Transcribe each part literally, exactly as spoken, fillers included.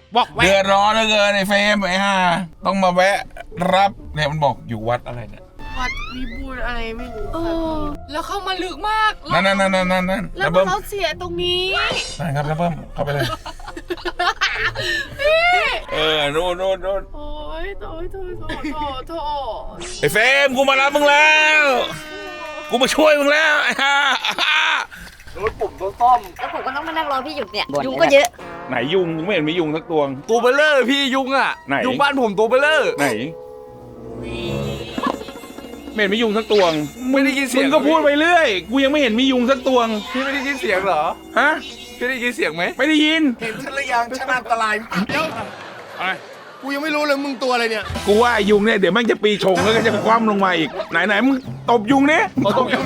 บอกเดือดร้อนเหลือเกินไอ้เฟรมไอ้ห่าต้องมาแวะรับเนี่ยมันบอกอยู่วัดอะไรเนี่ยวัดวิบูลอะไรไม่รู้ค่ะแล้วเข้ามาลึกมากนั่นนั่นนั่นนั่นนั่นแล้วเราเสียตรงนี้นั่นครับแล้วเพิ่มเข้าไปเลยเออโน่นโน่นโน่นโอ้ยโถ่โถ่โถ่โถ่โถ่ไอ้เฟรมกูมารับมึงแล้วกูมาช่วยมึงแล้วไอ้ห่ารถปุ่มต้องต้อมแล้วผมก็ต้องมานั่งรอพี่หยุดเนี่ยยุงก็เยอะไหนยุงไม่เห็นมียุงสักตัวตัวเบลเลอร์พี่ยุงอ่ะไหนยุงบ้านผมตัวเบลเลอร์ไหนไม่เห็นมียุงสักตัวไม่ได้ยินเสียงมึงก็พูดไปเรื่อยกูยังไม่เห็นมียุงสักตัวพี่ไม่ได้ยินเสียงเหรอฮะพี่ได้ยินเสียงไหมไม่ได้ยินเห็นฉันหรือยังฉันอันตรายเดี๋ยวอะไรกูยังไม่รู้เลยมึงตัวอะไรเนี่ยกูว่ายุงเนี่ยเดี๋ยวแม่งจะปีชงแล้วก็จะคว่ำลงมาอีกไหนไหนมึงตบยุงเนี่ยตบยุง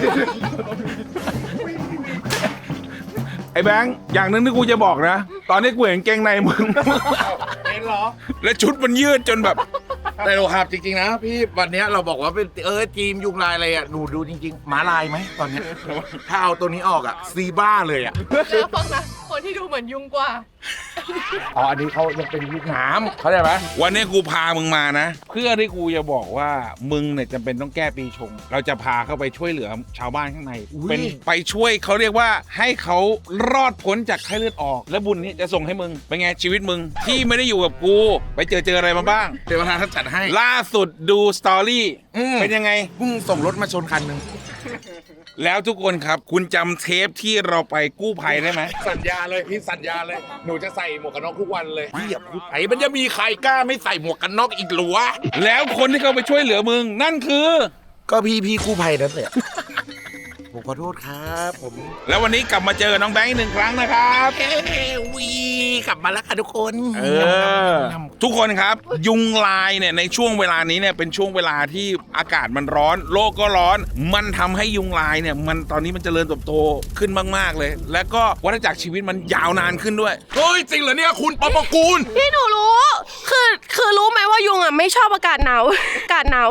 ไอ้แบงค์อย่างนึงที่กูจะบอกนะตอนนี้กูเห็นเกงในมึงเห็นเหรอและชุดมันยืดจนแบบแต่เราครับจริงๆนะพี่วันนี้เราบอกว่าเป็นเออทีมยุงลายอะไรอ่ะหนูดูจริงๆหมาลายไหมตอนนี้ถ้าเอาตัวนี้ออกอ่ะซีบ้าเลยอ่ะแล้วฟังนะคนที่ดูเหมือนยุงกว่าอ๋ออันนี้เขายังเป็นยุงน้ำเขาใจไหมวันนี้กูพามึงมานะเพื่อที่กูจะบอกว่ามึงเนี่ยจำเป็นต้องแก้ปีชงเราจะพาเข้าไปช่วยเหลือชาวบ้านข้างในเป็นไปช่วยเขาเรียกว่าให้เขารอดพ้นจากไข้เลือดออกและบุญนี้จะส่งให้มึงเป็นไงชีวิตมึงที่ไม่ได้อยู่กับกูไปเจอเจออะไรมาบ้างเทวดาท่านจัดให้ล่าสุดดูสตอรี่เป็นยังไงเพิ่งส่งรถมาชนคันหนึ่งแล้วทุกคนครับคุณจำเทปที่เราไปกู้ภัยได้ไหมสัญญาเลยพี่สัญญาเลยหนูจะใส่หมวกกันน็อกทุกวันเลยพี่อย่าพูดไปมันจะมีใครกล้าไม่ใส่หมวกกันน็อกอีกหรือวะแล้วคนที่เขาไปช่วยเหลือมึงนั่นคือก็พี่พี่กู้ภัยนั่นแหละผมขอโทษครับผมแล้ววันนี้กลับมาเจอน้องแบงค์หนึ่งครั้งนะครับเฮ้วีกลับมาแล้วค่ะทุกคนเออทุกคนครับยุงลายเนี่ยในช่วงเวลานี้เนี่ยเป็นช่วงเวลาที่อากาศมันร้อนโลกก็ร้อนมันทำให้ยุงลายเนี่ยมันตอนนี้มันเจริญเติบโตขึ้นมากๆเลยแล้วก็วัฏจักรชีวิตมันยาวนานขึ้นด้วยเฮ้ยจริงเหรอเนี่ยคุณปอปกูลพี่หนูรู้คือคือรู้ไหมว่ายุงอ่ะไม่ชอบอากาศหนาวอากาศหนาว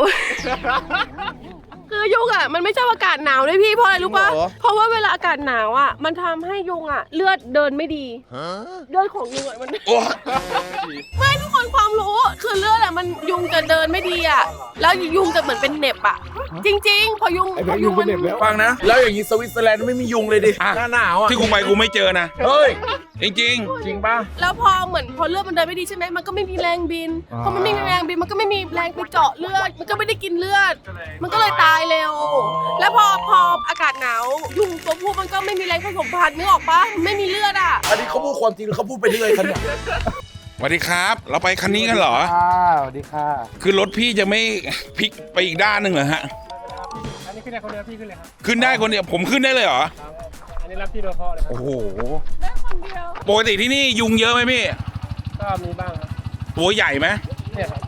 คือยุงอ่ะมันไม่ชอบอากาศหนาวด้วยพี่เพราะอะไรรู้ป่ะเพราะว่าเวลาอากาศหนาวอ่ะมันทำให้ยุงอ่ะเลือดเดินไม่ดีเลือดของยุงอ่ะมันไม่ทุกคนความรู้คือเลือดอ่ะมันยุงจะเดินไม่ดีอ่ะแล้วยุงจะเหมือนเป็นเน็บอ่ะจริงๆพอยุงพอยุงมันเน็บแล้วฟังนะแล้วอย่างนี้สวิตเซอร์แลนด์ไม่มียุงเลยดิหน้าหนาวอ่ะที่กูไปกูไม่เจอนะเฮ้ยจริงจริงจริงป่ะแล้วพอเหมือนพอเลือดมันเดินไม่ดีใช่ไหมมันก็ไม่มีแรงบินพอมันไม่มีแรงบินมันก็ไม่มีแรงไปเจาะเลือดมันก็ไม่ได้กินเลือดมันก็เลยตายเร็วแล้วพอพออากาศหนาวยุงตัวผู้มันก็ไม่มีแรงผสมพันธุ์นึกออกปะไม่มีเลือดอ่ะอันนี้เขาพูดความจริงเขาพูดไปเรื่อยครับเนี่ยสวัสดีครับเราไปคันนี้กันเหรอสวัสดีค่ะคือรถพี่จะไม่พลิกไปอีกด้านหนึ่งเหรอฮะอันนี้ขึ้นได้คนเดียวพี่ขึ้นเลยครับขึ้นได้คนเดียวผมขึ้นได้เลยเหรออันนี้รับพี่โดยเฉพาะเลยครับโอ้โหได้คนเดียวปกติที่นี่ยุงเยอะไหมพี่ก็มีบ้างครับตัวใหญ่ไหมเนี่ยครับ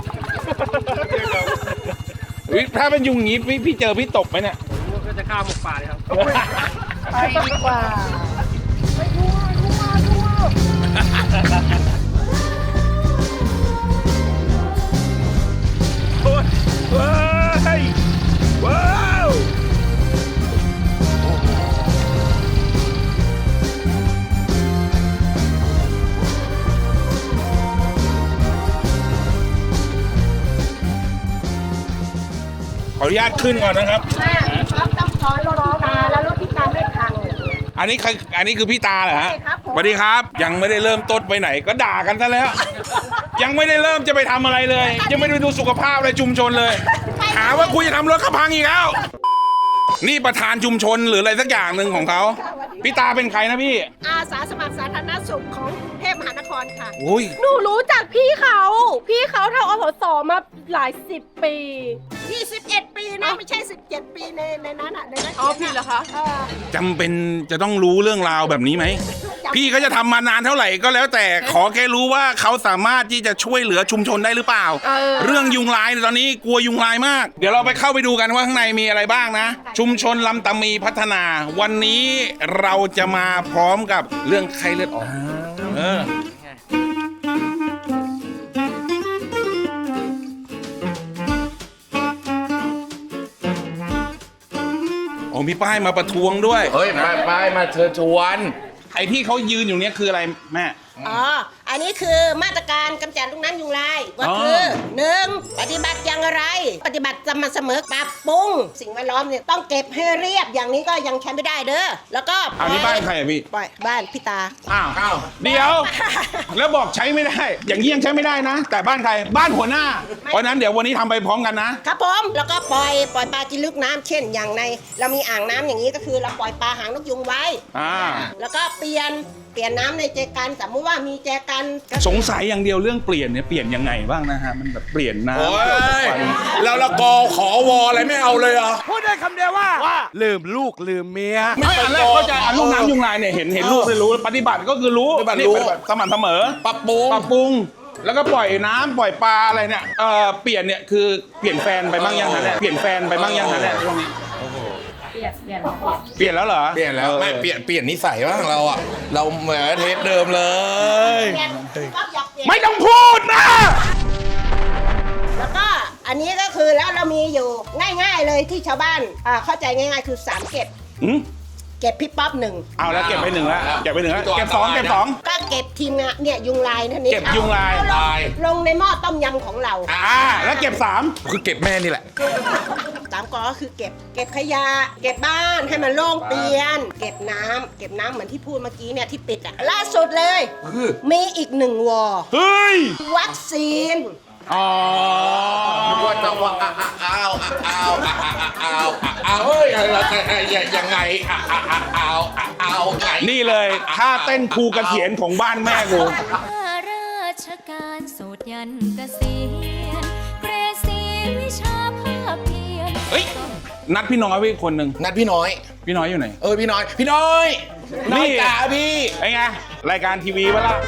ถ้าเป็นยุงงี้พี่พี่เจอพี่ตบไหมเนี่ยก็จะฆ่าหมกป่าเลยครับไปดีกว่าไปทั่วทั่วทั่วโอ้ยว้ายว้าวขออนุญาตขึ้นก่อนนะครับต้องขอรถพิตาแล้วรถพิตาไม่พังอันนี้ใครอันนี้คือพี่ตาเหรอฮะสวัสดีครับยังไม่ได้เริ่มต้นไปไหนก็ด่ากันซะแล้วยังไม่ได้เริ่มจะไปทำอะไรเลยยังไม่ได้ดูสุขภาพอะไรชุมชนเลยหาว่าคุยจะทำรถเขาพังอีกแล้วนี่ประธานชุมชนหรืออะไรสักอย่างหนึ่งของเขาพี่ตาเป็นใครนะพี่อาสาสมัครสาธารณสุขของกรุงเทพมหานครค่ะอุ้ยหนูรู้จักพี่เขาพี่เขาทำอสสมาหลายสิบปียี่สิบเอ็ดปีนะไม่ใช่สิบเจ็ดปีในในนั้นอ่ะในนั้นอ๋อผิดเหรอคะจำเป็นจะต้องรู้เรื่องราวแบบนี้ไหมพี่เขาจะทำมานานเท่าไหร่ก็แล้วแต่ขอแค่รู้ว่าเขาสามารถที่จะช่วยเหลือชุมชนได้หรือเปล่าเออเรื่องยุงลายตอนนี้กลัวยุงลายมากเดี๋ยวเราไปเข้าไปดูกันว่าข้างในมีอะไรบ้างนะชุมชนลำตามีพัฒนาวันนี้เราจะมาพร้อมกับเรื่องไข้เลือดออกเออโอ้มีป้ายมาประท้วงด้วยเฮ้ยป้ายป้ายมาเชิญชวนไอ้ที่เขายืนอยู่เนี้ยคืออะไรแม่อ๋อ อันนี้คือมาตรการกำจัดลูกน้ำยุงลายก็คือหนึ่งปฏิบัติอย่างไร ปฏิบัติสม่ำเสมอปรับปรุงสิ่งแวดล้อมเนี่ยต้องเก็บให้เรียบอย่างนี้ก็ยังใช้ไม่ได้เด้อแล้วก็อันนี้บ้านใครอะพี่ปล่อยบ้านพี่ตาอ้าวอ้าวเดี๋ยว แล้วบอกใช้ไม่ได้ อย่างนี้ยังใช้ไม่ได้นะ แต่บ้านใครบ้านหัวหน้า เพราะฉะนั้นเดี๋ยววันนี้ทำไปพร้อมกันนะครับผมแล้วก็ปล่อยปล่อยปลากินลึกน้ำเช่นอย่างใน เรามีอ่างน้ำอย่างนี้ก็คือเราปล่อยปลาหางนกยุงไว้อ่าแล้วก็เปลี่ยนเปลี่ยนน้ำในแจกันสมมติว่ามีแจกันก็สงสัยอย่างเดียวเรื่องเปลี่ยนเนี่ยเปลี่ยนยังไงบ้างนะฮะมันแบบเปลี่ยนน้ำโอ้ยแล้วละกอขอวออะไรไม่เอาเลยเหรอพูดได้คำเดียวว่าว่าลืมลูกลืมเมียไม่อันแรกเข้าใจอันลูกน้ำยุงลายเนี่ยเห็นเห็นลูกเลยรู้ปฏิบัติก็คือรู้ปฏิบัติรู้นี่ปฏิบัติสม่ำเสมอปรับปรุงปรับปรุงแล้วก็ปล่อยน้ำปล่อยปลาอะไรเนี่ยเออเปลี่ยนเนี่ยคือเปลี่ยนแฟนไปบ้างยังฮะเนี่ยเปลี่ยนแฟนไปบ้างยังฮะเนี่ยช่วงนี้เปลี่ยนเปลี่ยนเปลี่ยนแล้วเหรอเปลี่ยนแล้วไม่เปลี่ยนเปลี่ยนนิสัยบ้างเราอ่ะเราเหมือนเทปเดิมเลยเปลี่ยนก็อยากเปลี่ยนไม่ต้องพูดนะแล้วก็อันนี้ก็คือแล้วเรามีอยู่ง่ายๆเลยที่ชาวบ้านอ่าเข้าใจง่ายๆคือสามเก็บหืมเก็บพี่ป๊อปหนึ่งเอาแล้วเก็บไปหนึ่งแล้วเก็บไปหนึ่งแล้วเก็บสองเก็บสองก็เก็บทีมงานเนี่ยยุงลายนั่นนี่เก็บยุงลายเอลงในหม้อต้มยำของเราอ่าแล้วเก็บสามคือเก็บแม่นี่แหละสามกอก็คือเก็บเก็บขยะ เก็บบ้านให้มันโล่งเตียน เก็บน้ำเก็บน้ำเหมือนที่พูดเมื่อกี้เนี่ยที่ปิดอ่ะล่าสุดเลยคือมีอีกหนึ่งวอเฮ้ยวัคซีนอ๋อว่าจะว่าอ้าวอ้าวอ้าวอ้าวอ้าวเฮ้ยยังไงอ้าวอ้าวอ้าวไงนี่เลยท่าเต้นครูเกษียณของบ้านแม่กูข้าราชการโสดยันเกษียณเกรดสีวิชาภาพเพียรเฮ้ย นัดพี่น้อยไว้คนหนึ่งนัดพี่น้อยพี่น้อยอยู่ไหนเออพี่น้อย พี่น้อยน้อยจ๋าพี่ไอ้ไงรายการทีวีวะล่ะ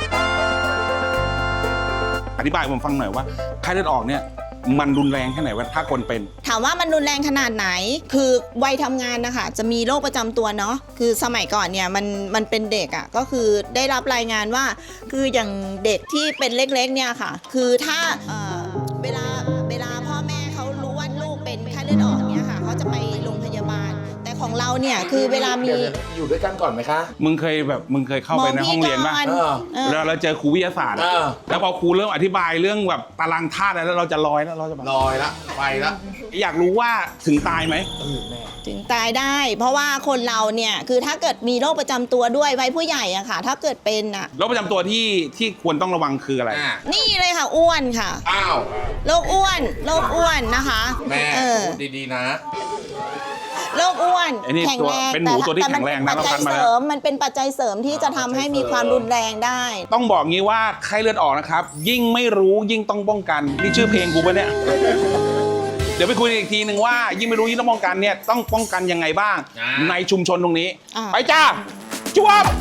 อธิบายผมฟังหน่อยว่าไข้เลือดออกเนี่ยมันรุนแรงแค่ไหนวะถ้าคนเป็นถามว่ามันรุนแรงขนาดไหน คือวัยทำงานนะคะจะมีโรคประจำตัวเนาะ คือสมัยก่อนเนี่ยมันมันเป็นเด็กอะ่ะ ก็คือได้รับรายงานว่า คืออย่างเด็กที่เป็นเล็กๆเนี่ยค่ะ คือถ้าเอ่อเวลาเวลาพ่อแม่เขารู้ว่าลูกเป็นไข้เลือดออกเนี่ยค่ะเขาจะไปโรงพยาบาล แต่ของเราเนี่ยคือเวลามีอยู่ด้วยกันก่อนไหมคะมึงเคยแบบมึงเคยเข้าไปในห้องเรียนป่ะมเออเออแล้วเราเจอครูวิทยาศาสตร์อะเออแล้วพอครูเริ่มอธิบายเรื่องแบบตารางธาตุอะไรแล้วเราจะลอยแล้วเราจะแบบลอยละไปละอยากรู้ว่าถึงตายไหมถึงตายได้ เพราะว่าคนเราเนี่ยคือถ้าเกิดมีโรคประจำตัวด้วยวัยผู้ใหญ่อะค่ะ ถ้าเกิดเป็นอะโรคประจำตัวที่ที่ควรต้องระวังคืออะไรอ่ะนี่เลยค่ะอ้วนค่ะอ้าวโรคอ้วนโรคอ้วนนะคะแม่เออพูดดีๆนะโรคอ้วนไอ้นี่แข็งตัวแรงเป็นหมูตัวที่ต่แข็งแรงนะปัจจัยเราคัดมาเสแล้วริมมันเป็นปัจจัยเสริมที่จะทำให้มีความรุนแรงได้ต้องบอกงี้ว่าไข้เลือดออกนะครับ ยิ่งไม่รู้ยิ่งต้องป้องกัน นี่ชื่อเพลงกูปะเนี่ย เดี๋ยวไปคุยกันอีกทีหนึ่งว่า ยิ่งไม่รู้ยิ่งต้องป้องกันเนี่ยต้องป้องกันยังไงบ้างอ่าในชุมชนตรงนี้อ่าไปจ้าจวบ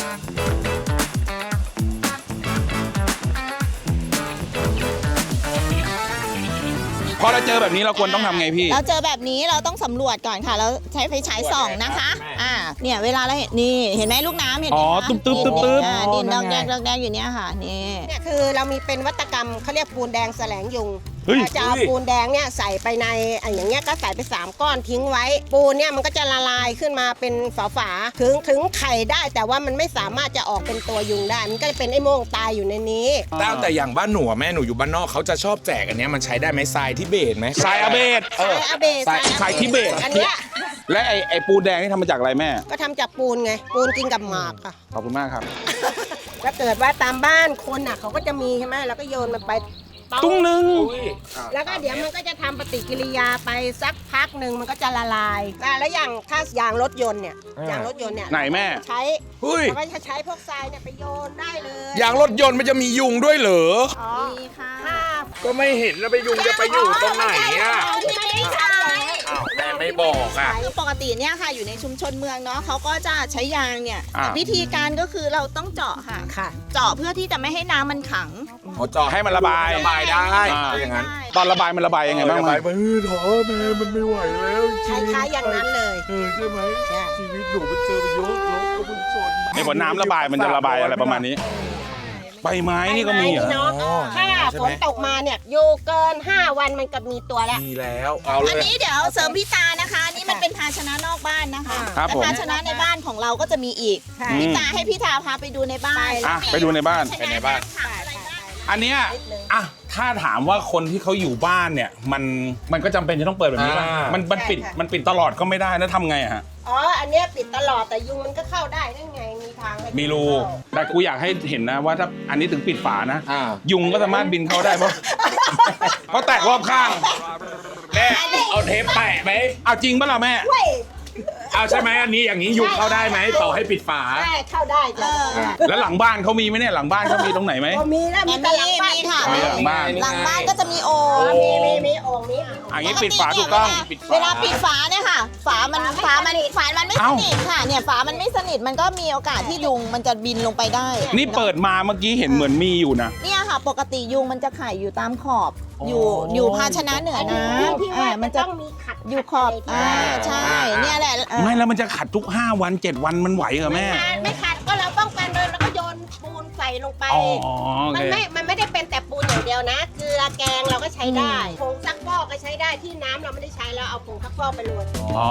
พอเราเจอแบบนี้เราควรต้องทำไงพี่เราเจอแบบนี้เราต้องสำรวจก่อนค่ะ เราใช้ไฟฉายส่องนะคะอ่าเนี่ยเวลาเราเห็นนี่เห็นไหมลูกน้ำเห็นไหมอ๋อคะตึ๊บตึ๊บตึ๊บตึ๊บอ่าดินดอกแดงดอกแดงอยู่เนี่ยค่ะนี่เนี่ยคือเรามีเป็นวัตกรรมเขาเรียกปูนแดงแสลงยุงเฮ้ยเราจะเอาปูนแดงเนี่ยใส่ไปในอ่ะอย่างเงี้ยก็ใส่ไปสามก้อนทิ้งไว้ ปูนเนี่ยมันก็จะละลายขึ้นมาเป็นฝาๆถึงถึงไข่ได้แต่ว่ามันไม่สามารถจะออกเป็นตัวยุงได้ มันก็จะเป็นไอ้โม่งตายอยู่ในนี้แต่แต่อย่างบ้านหนูอะแม่หนูอยู่บ้านนอกเขาจะชอบแจกอันเนี้ยมันใช้ได้ไหมทรายทิเบตไหมทรายอาเบดทรายอาเบะทรายทรายทิเบตอันเนี้ยและไอไอปูแดงนี่ทำมาจากอะไรแม่ก็ทำจากปูนไง ปูนกินกับหมากค่ะขอบคุณมากครับถ้าเกิดว่าตามบ้านคนอ่ะเขาก็จะมีใช่ไหมแล้วก็โยนมันไปตุ้งหนึ่งแล้วก็เดี๋ยวมันก็จะทำปฏิกิริยาไปสักพักหนึ่งมันก็จะละลายอ่ะแล้วอย่างถ้ายางรถยนต์เนี่ยยางรถยนต์เนี่ยไหนแม่ใช้เฮ้ยเราก็จะใช้พวกทรายเนี่ยไปโยนได้เลยยางรถยนต์มันจะมียุงด้วยเหรออ๋อนี่ค่ะค่ะก็ไม่เห็นแล้วไปยุงจะไปอยู่ตรงไหนอ่ะที่ไม่ได้ใช้อ้าวแม่ไม่บอกอ่ะคือปกติเนี่ยค่ะอยู่ในชุมชนเมืองเนาะเขาก็จะใช้ยางเนี่ยอ่าวิธีการก็คือเราต้องเจาะค่ะค่ะเจาะเพื่อที่จะไม่ให้น้ำมันขังเขาเจาะให้มันระบายระบายได้อ่าอย่างนั้นตอนระบายมันระบายยังไงบ้างระไหมบายไปเออท้อแม่มันไม่ไหวแล้วจคริงล้ายๆอย่างนั้นเลยเออใช่ไหมใช่ชีวิตหนูมันเจอไปเยอะรถก็มันชนไอ้ผลน้ำระบายมันจะระบายอะไรประมาณนี้ ใบไม้นี่ก็มีเหรอใบไม้นี่เนาะถ้าฝนตกมาเนี่ยอยู่เกินห้าวันมันก็มีตัวแล้วมีแล้วเอาเลอันยนี้เดี๋ยวเสริมพี่ตานะคะอันนี่มันเป็นภาชนะนอกบ้านนะคะครับแต่ผมภาชนะในบ้านของเราก็จะมีอีกใช่พี่ตาให้พี่ตาพาไปดูในบ้านอ่ะไปดูในบ้านไปในบ้านอันเนี้ยอ่ะถ้าถามว่าคนที่เขาอยู่บ้านเนี่ย มันมันก็จำเป็นจะต้องเปิดแบบนี้ป่ะอ่ามัมันมันปิดมันปิดตลอดก็ไม่ได้แล้วทำไงอะฮะอ๋ออันเนี้ยปิดตลอดแต่ยุงมันก็เข้าได้นั่นไงมีทางให้มีรูแต่กูอยากให้เห็นนะว่าถ้าอันนี้ถึงปิดฝานะอ่ายุงก็สามารถบินเข้าได้เพราะ เพราะแตกรอบข้างแม่เอาเทปแปะไหมเอาจริงปะล่ะแม่เว้ยเอาใช่ไหมอันนี้อย่างนี้ยุงเข้าได้ไหมต่อให้ปิดฝาได้เข้าได้จ้ะแล้วหลังบ้านเขามีไหมเนี่ยหลังบ้านเขามีตรงไหนไหมพอมีแล้วมีแต่หลังบ้านมีค่ะมีหลังบ้านหลังบ้านก็จะมีโอ่งอ๋อมีมีมีโอ่งมีอันนี้ปิดฝาถูกต้องปิดฝาเวลาปิดฝาเนี่ยค่ะ ฝามันฝามันฝามันไม่สเอ้านิทค่ะเนี่ยฝามันไม่สนิทมันก็มีโอกาสที่ยุงมันจะบินลงไปได้นี่เปิดมาเมื่อกี้เห็นเหมือนมีอยู่นะเนี่ยค่ะ ปกติยุงมันจะไข่อยู่ตามขอบ อยู่อยู่ภาชนะเหนือน้ำที่อ่าว่ามันจะจะต้องมีขัดอยู่ขอบอ่าใช่เนี่ยแหละเออไม่แล้วมันจะขัดทุกห้าวันเจ็ดวันมันไหวเหรอแม่ไม่ไม่ขัดก็เราป้องกันเลยแล้วก็โยนปูนใส่ลงไปอ๋อโอมันเคไม่ มันไม่ได้เป็นแต่ปูนอย่างเดียวนะ เกลือแกงเราก็ใช้ได้ ผงซักฟอกก็ใช้ได้ ที่น้ำเราไม่ได้ใช้แล้วเอาผงซักฟอกไปโรยอ๋อ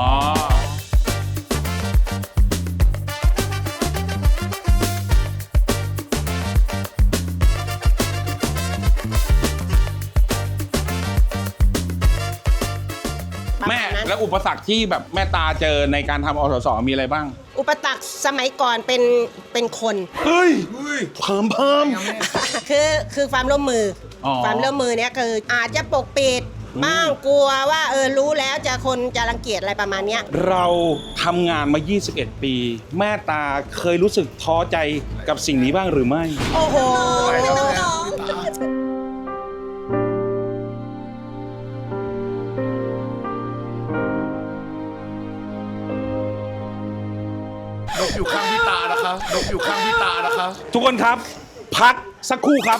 แม่แล้วอุปสรรคที่แบบแม่ตาเจอในการทำอสสมีอะไรบ้างอุปสรรคสมัยก่อนเป็น เป็นคนเฮ้ยเพิ่มเพิ่มคือ คือความร่วมมือออความร่วมมือเนี้ยคืออาจจะปกปิดบ้างกลัวว่าเออรู้แล้วจะคนจะรังเกียจอะไรประมาณเนี้ยเราทำงานมา ยี่สิบเอ็ด ปี แม่ตาเคยรู้สึกท้อใจกับสิ่งนี้บ้างหรือไม่โอ้โหนกอยู่ข้างพี่ตานะคะนกอยู่ข้างพี่ตานะคะทุกคนครับ พักสักครู่ครับ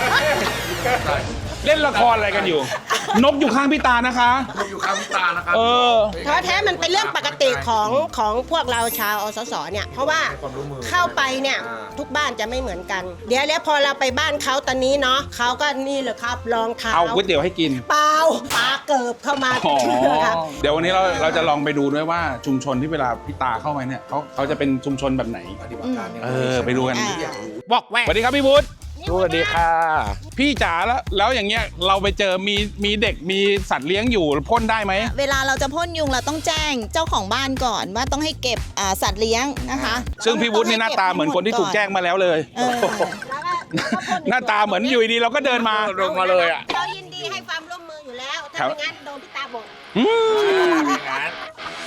เล่นละครอะไรกันอยู่ นกอยู่ข้างพี่ตานะคะนกอยู่ข้างพี่ตานะคะเออท้อแท้มันเป็นเรื่องปกติของของพวกเราชาวอสสเนี่ย เพราะว่าเข้าไปเนี่ยทุกบ้านจะไม่เหมือนกัน เดี๋ยวแล้วพอเราไปบ้านเขาตอนนี้เนาะเขาก็นี่เลยครับรองเท้าเอาก๋วยเตี๋ยวให้กินเปล่าปลาเกิบเข้ามาอ๋อครับเดี๋ยววันนี้เราเราจะลองไปดูด้วยว่าชุมชนที่เวลาพี่ตาเข้าไปเนี่ยเขาเขาจะเป็นชุมชนแบบไหนปฏิบัติการยังไงเออไปดูกันอ่าบอกแวสวัสดีครับพี่พุทธสวัสดีค่ะพี่จ๋าแล้วแล้วอย่างเงี้ยเราไปเจอมีมีเด็กมีสัตว์เลี้ยงอยู่พ่นได้ไหมเวลาเราจะพ่นยุงเราต้องแจ้งเจ้าของบ้านก่อนว่าต้องให้เก็บอ่าสัตว์เลี้ยงนะคะซึ่งพี่วุฒินี่หน้าตาเหมือนคนที่ถูกแจ้งมาแล้วเลยเออหน้าตาเหมือนอยู่ดีๆเราก็เดินมาลงมาเลยอ่ะเรายินดีให้ความร่วมมืออยู่แล้ว ถ้าไม่งั้นโดนพี่ตาบอกอืม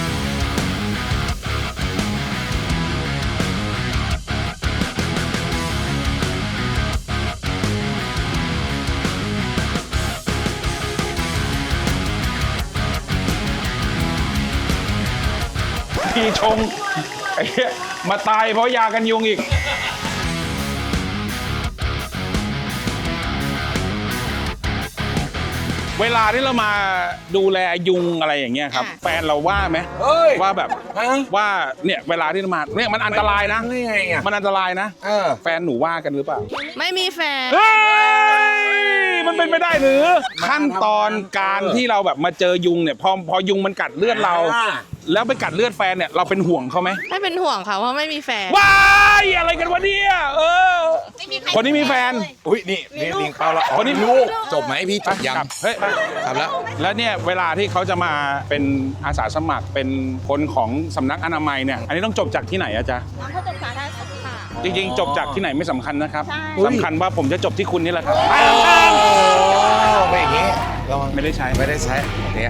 พี่ชงไอ้เหี้ยมาตายเพราะยากันยุงอีก เวลาที่เรามาดูแลยุงอะไรอย่างเงี้ยครับค่ะแฟนเราว่าไหมเฮ้ยว่าแบบฮะว่าเนี่ยเวลาที่เรามาเนี่ยมันอันตรายนะนี่ไงอ่ะมันอันตรายนะเออแฟนหนูว่ากันหรือเปล่าไม่มีแฟนเฮ้ยมันเป็นไปได้หรือ ขั้นตอนการที่เราแบบมาเจอยุงเนี่ยพอพอยุงมันกัดเลือดเราอ่าแล้วไปกัดเลือดแฟนเนี่ยเราเป็นห่วงเขาไหมไม่เป็นห่วงค่ะเพราะไม่มีแฟนว้ายอะไรกันวะเนี่ยเออ คนนี้มีแฟนอุ้ยนี่นี่ลิงเปล่าละคนนี้ลูกจบไหมพี่จบยังกลับเฮ้ยไปกลับแล้วแล้วเนี่ยเวลาที่เขาจะมาเป็นอาสาสมัครเป็นคนของสำนักอนามัยเนี่ยอันนี้ต้องจบจากที่ไหนอะจ๊ะน้องเขาจบสาธารณสุขค่ะจริงๆ จบจากที่ไหนไม่สำคัญนะครับใช่สำคัญว่าผมจะจบที่คุณนี่แหละครับไม่อย่างงี้ระวังไม่ได้ใช้ไม่ได้ใช้เนี่ย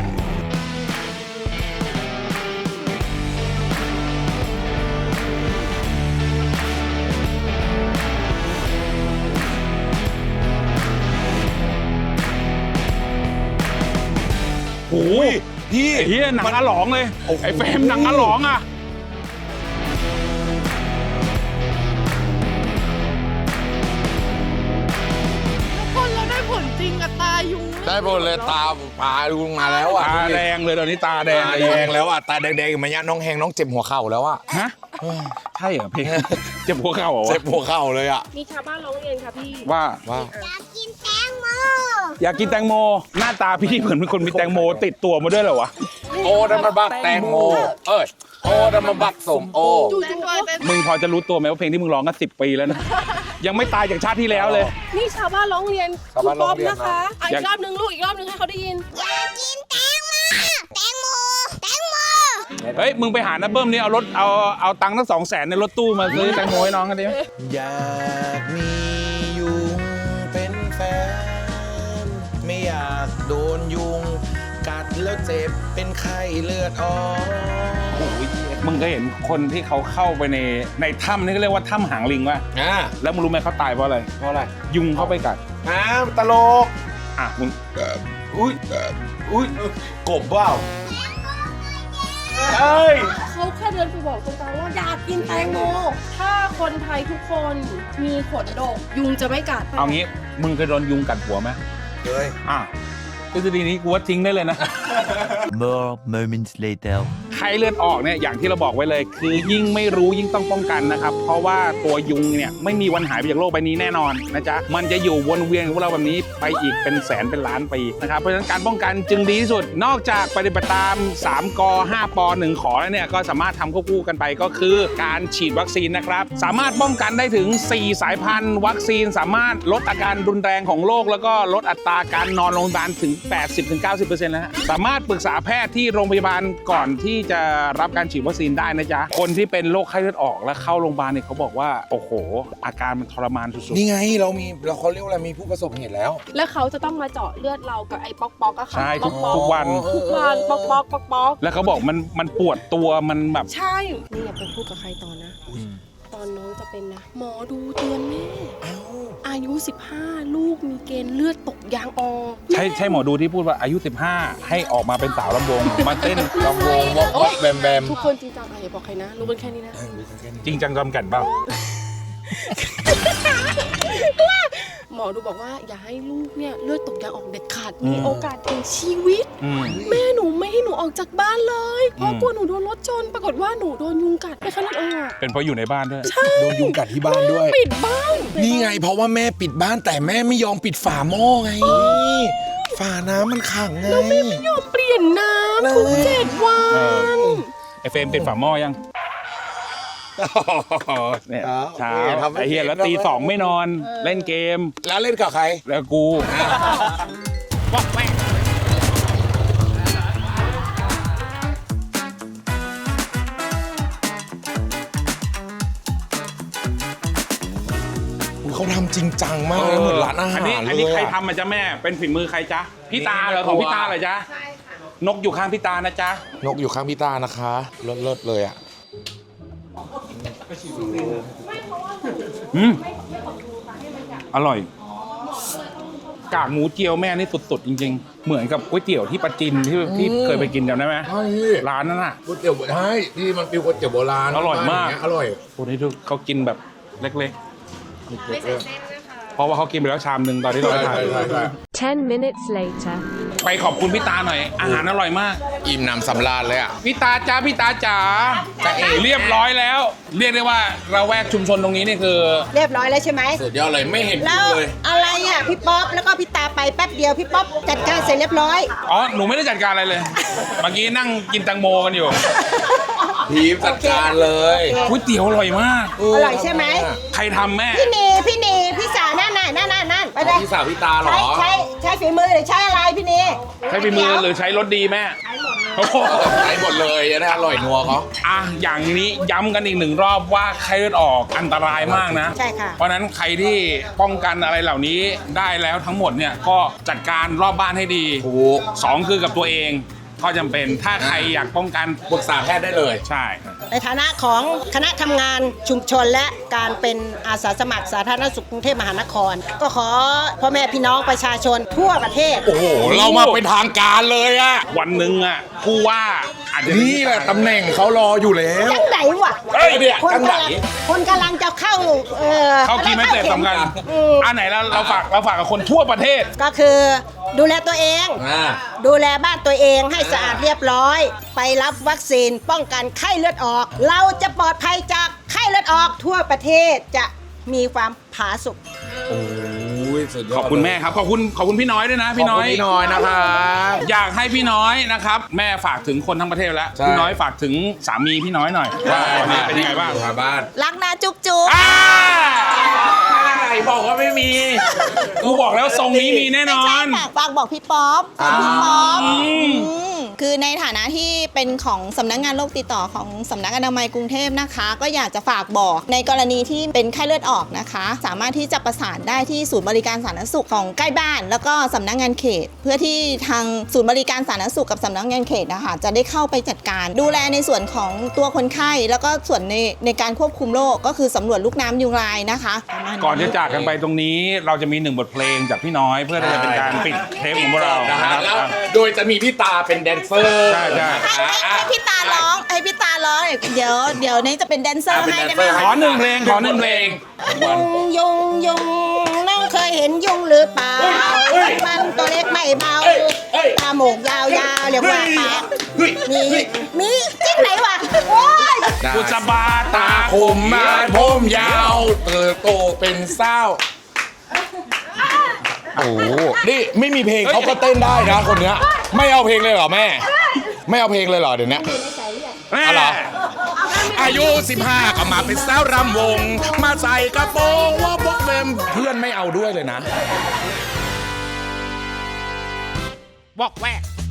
โอ้ยพี่เฮียหนังอาหลองเลยไอ้เฟรมหนังอาหลองอ่ะคนเราได้ผลจริงกับตายุงได้หมดเลยตาปลาลุงมาแล้วอ่ะตาแดงเลยตอนนี้ตาแดงตาเลยแดงแล้วอ่ะตาแดงๆมาเนี่ยน้องแหงน้องเจ็บหัวเข่าแล้วอ่ะฮะใช่เหรอพี่เจ็บหัวเข่าเหรอเจ็บหัวเข่าเลยอ่ะมีชาวบ้านร้องเรียนค่ะพี่ว่าว่าอยากกินแตอยากกินแตงโม หน้าตาพี่เหมือนเป็นคนมีแตงโมติดตัวมาด้วยเหรอวะโอ้ดันมาบักแตงโม เอ้ยโอ้ดันมาบักสมโอมึงพอจะรู้ตัวไหมว่าเพลงที่มึงร้องกันสิบปีแล้วนะ ยังไม่ตายจากชาติที่แล้วเลยนี่ชาวบ้านร้องเรียนชาวคุบ้าณนป๊อปร้องเรียนนะคะอ่ะอยาอีกกรอบนึงลูกอีกรอบนึงให้เขาได้ยินอยากกินแตงโมแตงโมแตงโมเฮ้ย มึงไปหาน้าเบิ้มนี่เอารถเอาเอาตังค์ทั้งสองแสนในรถตู้มาซื้อแตงโมให้น้องกันดิอยากมียุงเป็นแฟน ไม่อยากโดนยุง กัดแล้วเจ็บเป็นไข้เลือดออกมึงก็เห็นคนที่เขาเข้าไปในในถ้ำนี่ก็เรียกว่าถ้ำหางลิงว่ะอ่าแล้วมึงรู้ไหมเขาตายเพราะอะไรเพราะอะไรยุงเข้าไปกัดอ้าวตลกอ่ะมึงอุ้ยอุ้ยกบเปล่าเฮ้ยเขาแค่เดินไปบอกตรงกลางว่าอยากกินแตงโม ถ้าคนไทยทุกคนมีขนดกยุงจะไม่กัดเอางี้ มึงเคยโดนยุงกัดหัวไหมเฮ้ยอ่ะทฤษฎีนี้กูว่าทิ้งได้เลยนะ More moments later. ไข้เลือดออกเนี่ยอย่างที่เราบอกไว้เลย คือยิ่งไม่รู้ยิ่งต้องป้องกันนะครับ เพราะว่าตัวยุงเนี่ยไม่มีวันหายไปจากโลกใบนี้แน่นอนนะจ๊ะมันจะอยู่วนเวียนกับพวกเราแบบนี้ไปอีกเป็นแสนเป็นล้านปีนะครับเพราะฉะนั้นการป้องกันจึงดีที่สุด นอกจากปฏิบัติตามสามกห้าปหนึ่งขอแล้วเนี่ยก็สามารถทำควบคู่กันไปก็คือการฉีดวัคซีนนะครับสามารถป้องกันได้ถึงสี่สายพันธุ์วัคซีนสามารถลดอาการรุนแรงของโรคแล้วก็ลดอัตราการนอนโรงพยาบาลถึง แปดสิบถึงเก้าสิบเปอร์เซ็นต์ แล้วฮะสามารถปรึกษาแพทย์ที่โรงพยาบาลก่อนที่จะรับการฉีดวัคซีนได้นะจ๊ะคนที่เป็นโรคไข้เลือดออกและเข้าโรงพยาบาลเนี่ยเขาบอกว่าโอ้โหอาการมันทรมานสุดนี่ไงเรามีเราเขาเรียกว่าอะไรมีผู้ประสบเหตุแล้วแล้วเขาจะต้องมาเจาะเลือดเรากับไอ้ป๊อกป๊อกก็ๆค่ะใช่ทุกป๊อกทุกวันทุกวันป๊อกป๊อกป๊อกป๊อกแล้วเขาบอกมันมันปวดตัวมันแบบใช่นี่อย่าไปพูดกับใครต่อนะ ตอนน้องจะเป็นนะ หมอดูเตือนแม่อายุสิบห้าลูกมีเกณฑ์เลือดตกยางออกใช่ใช่หมอดูที่พูดว่าอายุสิบห้าให้ออกมาเป็นสาวลำวงมาเต้นลำวงวอกวอกแบมแบมทุกคนจริงจังอะอย่าบอกใครนะ รู้กันแค่นี้นะจริงจังจำกันเปล่าหมอดูบอกว่าอย่าให้ลูกเนี่ยเลือดตกยางออกเด็ดขาดมีโอกาสถึงชีวิตอืมแม่หนูไม่ให้หนูออกจากบ้านเลย เพราะอืมกลัวหนูโดนรถชนปรากฏว่าหนูโดนยุงกัดไปขนาดออกเป็นเพราะอยู่ในบ้านด้วยโดนยุงกัดที่บ้านด้วยปิดบ้านนี่ไงเพราะว่าแม่ปิดบ้านแต่แม่ไม่ยอมปิดฝาหม้อไง ฝาน้ำมันขังไงไม่ยอมเปลี่ยนน้ำทุกเจ็ดวัเออนไอเฟรมเป็นฝาหม้อยังเนี่ยเอาเช้าโอเคทำให้ไอเฮียแล้วตีสองไม่นอนเล่นเกมแล้วเล่นกับใครแล้วกูเขาทำจริงจังมากเลยเหมือนร้านอาหารอันนี้เลยอันนี้ใครอะทำมาจ๊ะแม่ เป็นฝีมือใครจ๊ะ พี่ตาเหรอของพี่ตาเหรอจ๊ะ นกอยู่ข้างพี่ตานะจ๊ะนกอยู่ข้างพี่ตานะคะเลิศเลิศเลยอ่ะอืมอร่อย กากหมูเจียวแม่นี่สุดๆจริงๆ เหมือนกับก๋วยเตี๋ยวที่ปาจินที่ที่เคยไปกินจำได้ไหมใช่ร้านนั้นน่ะก๋วยเตี๋ยวใช่ที่มันเป็นก๋วยเตี๋ยวโบราณอร่อยมากงเงี้อร่อยพวกนี้ทุกเขากินแบบเล็กๆ เพราะว่าเขากินไปแล้วชามหนึ่งตอนที่เราใช่ไปถ่ายใช่ใช่ใช่ Ten minutes later. ไปขอบคุณพี่ตาหน่อย อาหารอร่อยมากอิ่มหนำสำราญเลยอ่ะพี่ตาจ้าพี่ตาจ๋าจะเอ๋เรียบร้อยแล้ว เรียกได้ว่าเราแวกชุมชนตรงนี้นี่คือเรียบร้อยแล้วใช่ไหมสุดยอดเลยไม่เห็นแล้กินวเลยอะไรอ่ะพี่ป๊อปแล้วก็พี่ตาไปแป๊บเดียวพี่ป๊อปจัดการเสร็จเรียบร้อยอ๋อ หนูไม่ได้จัดการอะไรเลย เมื่อกี้นั่งกินแตังโมกันอยู่ทีมจัดการเลยก๋วยเตี๋ยวอร่อยมากอร่อยใช่ไหมใครทำแม่พี่นีพี่นีพี่สาวนั่นน่ะนั่นน่ะนั่นไปเลยพี่สาวพี่ตาเหรใช้อใช้ใช้ฝีมือหรือใช้อะไรพี่นีใช้ฝีมือหรือใช้รสดีแม่โอ้โหใช้หมดเลยจะได้อร่อยนัวเขาอ่ะอย่างนี้ย้ำกันอีกหนึ่งรอบว่าไข้เลือดออกอันตรายมากนะใช่ค่ะเพราะฉะนั้นใครที่ป้องกันอะไรเหล่านี้ได้แล้วทั้งหมดเนี่ยก็จัดการรอบบ้านให้ดีถูกสองคือกับตัวเองก็จำเป็นถ้าใครอยากป้องกันปรึกษาแพทย์ได้เลยใช่ในฐานะของคณะทำงานชุมชนและการเป็นอาสาสมัครสาธารณสุขกรุงเทพมหานคร ก็ขอพ่อแม่พี่น้องประชาชนทั่วประเทศโอ้โห เรามาเป็นทางการเลยอะวันหนึ่งอ่ะผู้ว่าอาจจะนี่แหละตำแหน่งเขารออยู่แล้วจังไหนวะเฮ้ยเนี่ยคนจังไหนกำลังคนกำลังจะเข้าเอ่อเข้าคีย์ไม่เสร็จสำคัญอืมอันไหนเราเราฝากเราฝากกับคนทั่วประเทศก็คือดูแลตัวเองอ่าดูแลบ้านตัวเองให้สะอาดเรียบร้อย ไปรับวัคซีนป้องกันไข้เลือดออก เราจะปลอดภัยจากไข้เลือดออกทั่วประเทศจะมีความผาสุกโอ้ยอุ้ยสุดยอดขอบคุณแม่ครับขอบคุณขอบคุณพี่น้อยด้วยนะพี่น้อยขบคุณพี่น้อยนะครับอยากให้พี่น้อยนะครับแม่ฝากถึงคนทั้งประเทศแล้วใช่พี่น้อยฝากถึงสามีพี่น้อยหน่อยว่าวันนี้เป็นยังไงบ้างทางบ้านรักนะจุ๊บจุ๊บอ่าอะไรบอกว่าไม่มีกูบอกแล้วทรงนี้มีแน่นอนฝากฝากบอกพี่ป๊อปฝากพี่ป๊อปอืมอืมคือในฐานะที่เป็นของสำนักงานโรคติดต่อของสำนักอนามัยกรุงเทพนะคะ ก็อยากจะฝากบอกในกรณีที่เป็นไข้เลือดออกนะคะ สามารถที่จะประสานได้ที่ศูนย์บริการสาธารณสุขของใกล้บ้าน แล้วก็สำนักงานเขต เพื่อที่ทางศูนย์บริการสาธารณสุขกับสำนักงานเขตนะคะจะได้เข้าไปจัดการ ดูแลในส่วนของตัวคนไข้แล้วก็ส่วนในในการควบคุมโรคก็คือสำรวจลูกน้ำยุงลายนะคะประมาณก่อนจะจากกันไปตรงนี้เราจะมีหนึ่งบทเพลงจากพี่น้อย เพื่อที่จะเป็นการปิดเทปของพวกเรานะนะฮะครับแล้วโดยจะมีพี่ตาเป็นแดนเซอร์ใช่ใช่ให้ให้ให้พี่ตาร้องให้พี่ตาร้องเดี๋ยวเดี๋ยวนี้จะเป็นแดนเซอร์ให้ได้ไหมขอหนึ่งเพลงขอหนึ่งเพลงยุงยุงยุงน้องเคยเห็นยุงหรือเปล่ามันตัวเล็กไม่เบาตาหมกยาวๆเรียกว่าปากมีมีจิ้งไหนวะโอ้ยกุศบาตาตาคคมมมามาผผม มยาวเติบโตเป็นเศร้าโอ้โหนี่ไม่มีเพลงเขาก็เต้นได้นะคนเนี้ยไม่เอาเพลงเลยเหรอแม่ ไม่เอาเพลงเลยเหรอเดี๋ยวนี้แม่อะไร อายุสิบห้าก็มาเป็นสาวรำวง มาใส่กระโปรงว่าพวกเฟมเพื่อนไม่เอาด้วยเลยนะบอกแวก